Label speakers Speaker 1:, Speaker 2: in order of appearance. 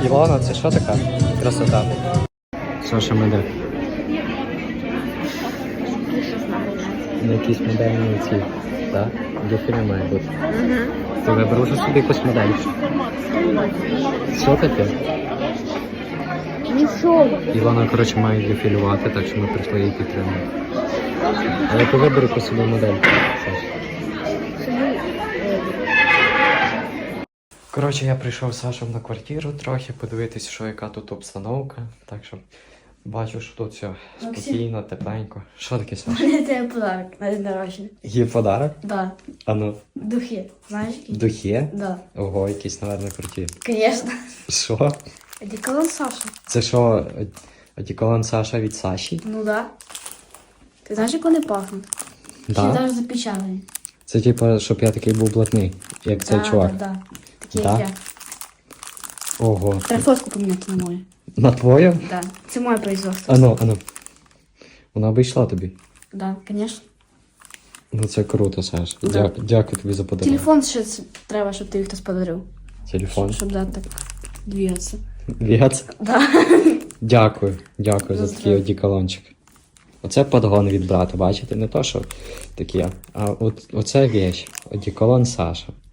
Speaker 1: Ілона, це що така? Красота. Саша меде. На якісь модельні ці, так? Дефіле має бути. Ти виберу вже собі якусь модель. Що таке?
Speaker 2: Нічого.
Speaker 1: Ілона, коротше, має дефілювати, так що ми прийшли її підтримати. Але ти вибери по собі модель. Коротше, я прийшов з Сашем на квартиру трохи, подивитись, що яка тут обстановка. Так що бачу, що тут все спокійно, тепленько. Що таке, Саша?
Speaker 2: У мене тебе подарок на день народження.
Speaker 1: Є подарок?
Speaker 2: Да.
Speaker 1: А ну.
Speaker 2: Духи. Знаєш які?
Speaker 1: Духи?
Speaker 2: Да.
Speaker 1: Ого, якісь, напевно, круті.
Speaker 2: Конечно.
Speaker 1: Що?
Speaker 2: Одеколон Саша.
Speaker 1: Це що, одеколон Саша від Саші?
Speaker 2: Ну да. Ти знаєш, як вони пахнуть? Ще
Speaker 1: Да?
Speaker 2: навіть запечатані.
Speaker 1: Це типу, щоб я такий був блатний, як цей чувак.
Speaker 2: Да. Такі
Speaker 1: Да?
Speaker 2: як я.
Speaker 1: Ого.
Speaker 2: Треба фотку поміняти на мою.
Speaker 1: На твою?
Speaker 2: Да. Це моє производство.
Speaker 1: Ану, ану. Вона обійшла тобі.
Speaker 2: Да, конечно.
Speaker 1: Ну це круто, Саш.
Speaker 2: Да.
Speaker 1: Дякую тобі за подарунок.
Speaker 2: Телефон ще треба, щоб ти їх хтось подарив.
Speaker 1: Телефон.
Speaker 2: Щоб да, так двигатися.
Speaker 1: Віц.
Speaker 2: Да.
Speaker 1: Дякую за такий
Speaker 2: Здорово.
Speaker 1: одеколончик. Оце подгон від брата, бачите? Не то, що таке, а оце вещь. Одеколон Саша.